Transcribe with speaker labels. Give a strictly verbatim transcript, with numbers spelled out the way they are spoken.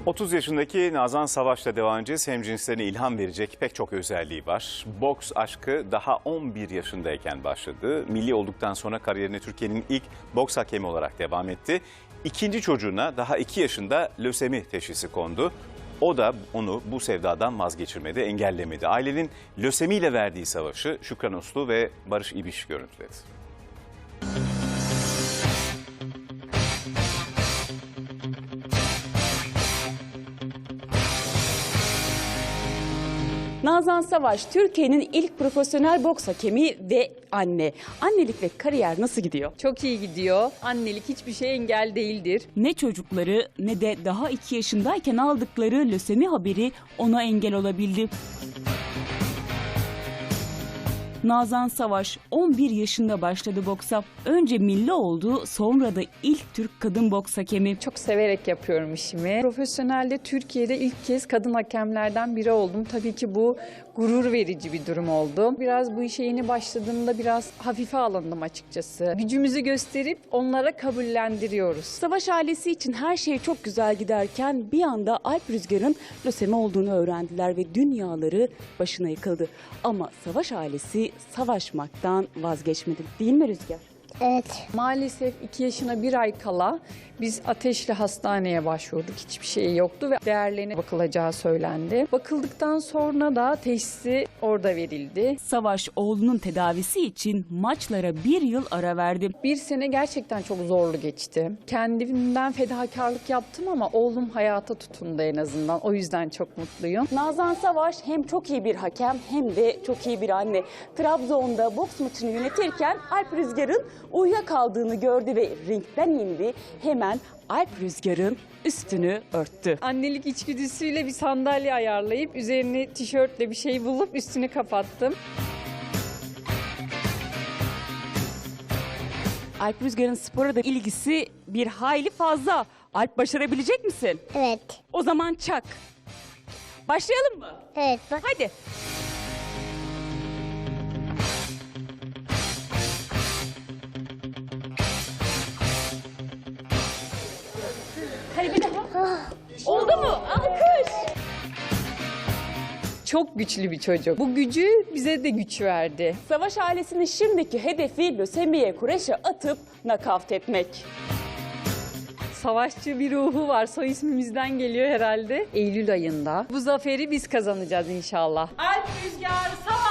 Speaker 1: otuz yaşındaki Nazan Savaş'la devam edeceğiz. Hemcinslerine ilham verecek pek çok özelliği var. Boks aşkı daha on bir yaşındayken başladı. Milli olduktan sonra kariyerine Türkiye'nin ilk boks hakemi olarak devam etti. İkinci çocuğuna daha iki yaşında lösemi teşhisi kondu. O da onu bu sevdadan vazgeçirmedi, engellemedi. Ailenin lösemiyle verdiği savaşı Şükran Uslu ve Barış İbiş görüntüledi.
Speaker 2: Nazan Savaş, Türkiye'nin ilk profesyonel boks hakemi ve anne. Annelik ve kariyer nasıl gidiyor?
Speaker 3: Çok iyi gidiyor. Annelik hiçbir şey engel değildir.
Speaker 2: Ne çocukları ne de daha iki yaşındayken aldıkları lösemi haberi ona engel olabildi. Nazan Savaş on bir yaşında başladı boksa. Önce milli oldu, sonra da ilk Türk kadın boks hakemi.
Speaker 3: Çok severek yapıyorum işimi. Profesyonelde Türkiye'de ilk kez kadın hakemlerden biri oldum. Tabii ki bu gurur verici bir durum oldu. Biraz bu işe yeni başladığımda biraz hafife alındım açıkçası. Gücümüzü gösterip onlara kabullendiriyoruz.
Speaker 2: Savaş ailesi için her şey çok güzel giderken bir anda Alp Rüzgar'ın lösemi olduğunu öğrendiler ve dünyaları başına yıkıldı. Ama Savaş ailesi savaşmaktan vazgeçmedi, değil mi Rüzgar?
Speaker 4: Evet.
Speaker 3: Maalesef iki yaşına bir ay kala biz Ateşli Hastane'ye başvurduk. Hiçbir şey yoktu ve değerlerine bakılacağı söylendi. Bakıldıktan sonra da teşhisi orada verildi.
Speaker 2: Savaş oğlunun tedavisi için maçlara bir yıl ara verdi.
Speaker 3: Bir sene gerçekten çok zorlu geçti. Kendimden fedakarlık yaptım ama oğlum hayata tutundu en azından. O yüzden çok mutluyum.
Speaker 2: Nazan Savaş hem çok iyi bir hakem hem de çok iyi bir anne. Trabzon'da boks maçını yönetirken Alp Rüzgar'ın uyuyakaldığını gördü ve ringden indi. Hemen Alp Rüzgar'ın üstünü örttü.
Speaker 3: Annelik içgüdüsüyle bir sandalye ayarlayıp üzerine tişörtle bir şey bulup üstünü kapattım.
Speaker 2: Alp Rüzgar'ın spora da ilgisi bir hayli fazla. Alp, başarabilecek misin?
Speaker 4: Evet.
Speaker 2: O zaman çak. Başlayalım mı?
Speaker 4: Evet. Bak.
Speaker 2: Hadi. Hadi bir daha. Oldu mu? Alkış.
Speaker 3: Çok güçlü bir çocuk. Bu gücü bize de güç verdi.
Speaker 2: Savaş ailesinin şimdiki hedefi lösemiye kureşe atıp nakavt etmek.
Speaker 3: Savaşçı bir ruhu var. Soy ismimizden geliyor herhalde. Eylül ayında. Bu zaferi biz kazanacağız inşallah.
Speaker 2: Alp Rüzgar Savaş.